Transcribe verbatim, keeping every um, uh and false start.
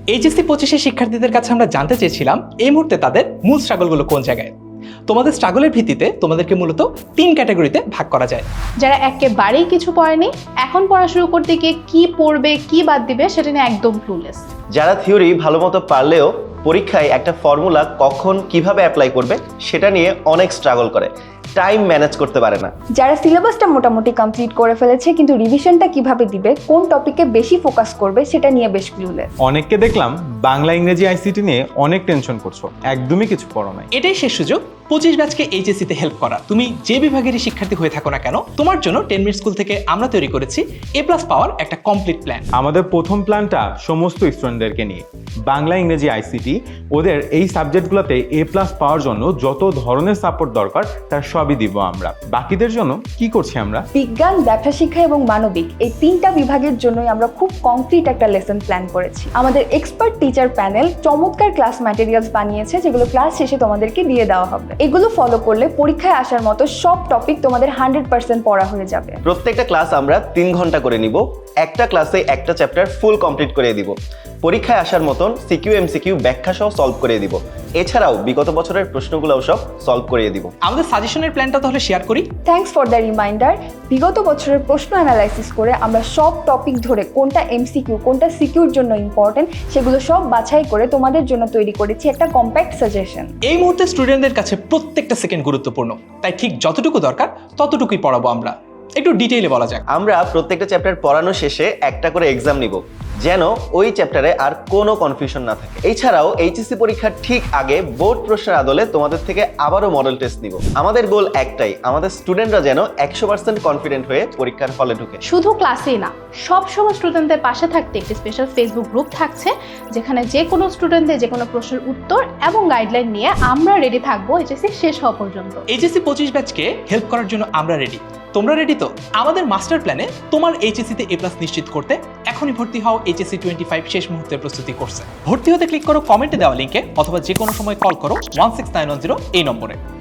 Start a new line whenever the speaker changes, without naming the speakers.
HSC পঁচিশের শিক্ষার্থীদের কাছে আমরা জানতে চেয়েছিলাম এই মুহূর্তে তাদের মূল স্ট্রাগলগুলো কোন জায়গায়। তোমাদের স্ট্রাগলের ভিত্তিতে তোমাদেরকে মূলত তিন ক্যাটাগরিতে ভাগ করা যায়।
যারা একেবারেই কিছু পড়েনি, এখন পড়া শুরু করতে গিয়ে কি পড়বে কি বাদ দিবে সেটা নিয়ে একদম ক্লুলেস।
যারা থিওরি ভালো মতো পারলেও পরীক্ষায় একটা ফর্মুলা কখন কিভাবে অ্যাপ্লাই করবে সেটা নিয়ে অনেক স্ট্রাগল করে, টাইম ম্যানেজ করতে পারে না।
যারা সিলেবাসটা মোটামুটি কমপ্লিট করে ফেলেছে কিন্তু রিভিশনটা কিভাবে দিবে, কোন টপিকে বেশি ফোকাস করবে সেটা নিয়ে বেশ ক্লুলেস।
অনেককে দেখলাম বাংলা ইংরেজি আইসিটি নিয়ে অনেক টেনশন করছো, একদমই কিছু পড়ো নাই।
এটাই শেষ সুযোগ পঁচিশ ব্যাচকে এইচএসসিতে হেল্প করা। তুমি যে বিভাগেরই শিক্ষার্থী হয়ে থাকো না কেন, তোমার জন্য টেন মিনিট স্কুল থেকে আমরা তৈরি করেছি এ প্লাস পাওয়ার একটা কমপ্লিট প্ল্যান।
আমাদের প্রথম প্ল্যানটা সমস্ত স্টুডেন্টদেরকে নিয়ে, বাংলা ইংরেজি আইসিটি ওদের এই সাবজেক্টগুলোতে এ প্লাস পাওয়ার জন্য যত ধরনের সাপোর্ট দরকার তার সবই দিব আমরা। বাকিদের জন্য কি করছি আমরা?
বিজ্ঞান, ব্যবসা শিক্ষা এবং মানবিক এই তিনটা বিভাগের জন্যই আমরা খুব কংক্রিট একটা লেসন প্ল্যান করেছি। আমাদের এক্সপার্ট টিচার প্যানেল চমৎকার ক্লাস ম্যাটেরিয়ালস বানিয়েছে যেগুলো ক্লাস শেষে তোমাদেরকে দিয়ে দেওয়া হবে। এগুলো ফলো করলে পরীক্ষায় আসার মতো সব টপিক তোমাদের হান্ড্রেড পার্সেন্ট পড়া হয়ে যাবে।
প্রত্যেকটা ক্লাস আমরা তিন ঘন্টা করে নিব, একটা ক্লাসে একটা চ্যাপ্টার ফুল কমপ্লিট করে দিব। পরীক্ষায় আসার মতন সিকিউ এমসিকিউ ব্যাখ্যা সহ সলভ করে দিব। এছাড়াও বিগত বছরের প্রশ্নগুলোও সব সলভ করিয়ে দিব।
আমাদের সাজেশনের প্ল্যানটা তাহলে শেয়ার করি।
Thanks for the reminder. বিগত বছরের প্রশ্ন অ্যানালাইসিস করে আমরা সব টপিক ধরে কোনটা এমসিকিউ কোনটা সিকিউর জন্য ইম্পর্টেন্ট সেগুলো সব বাছাই করে তোমাদের জন্য তৈরি করেছি একটা কম্প্যাক্ট সাজেশন।
এই মুহূর্তে স্টুডেন্টদের কাছে প্রত্যেকটা সেকেন্ড গুরুত্বপূর্ণ, তাই ঠিক যতটুকু দরকার ততটুকুই পড়াবো আমরা। একটু ডিটেইলে বলা যাক।
আমরা প্রত্যেকটা চ্যাপ্টার পড়ানো শেষে একটা করে এক্সাম নিব, যেন ওই চ্যাপ্টারে আর কোনো কনফিউশন না থাকে। এছাড়াও এইচএসসি পরীক্ষার ঠিক আগে বোর্ড প্রশ্নের আদলে তোমাদের থেকে আবারও মডেল টেস্ট নিব। আমাদের গোল একটাই, আমাদের স্টুডেন্টরা যেন একশো পার্সেন্ট কনফিডেন্ট হয়ে পরীক্ষার হলে ঢুকে।
শুধু ক্লাসেই না, সব সময় স্টুডেন্টদের পাশে থাকতে একটি স্পেশাল ফেসবুক গ্রুপ থাকছে, যেখানে যে কোনো স্টুডেন্টদের যে কোনো প্রশ্নের উত্তর এবং গাইডলাইন নিয়ে আমরা রেডি থাকবো এইচএসসি শেষ হওয়া পর্যন্ত।
এইচএসসি পঁচিশ ব্যাচকে হেল্প করার জন্য আমরা রেডি। তোমরা রেডি তো? আমাদের মাস্টার প্ল্যানে তোমার এইচএসসিতে এ প্লাস নিশ্চিত করতে এখনই ভর্তি হও এইচএসসি টোয়েন্টি ফাইভ শেষ মুহূর্তের প্রস্তুতি কোর্সে। ভর্তি হতে ক্লিক করো কমেন্টে দেওয়া লিঙ্কে, অথবা যে কোনো সময় কল করো one six nine one zero এই নম্বরে।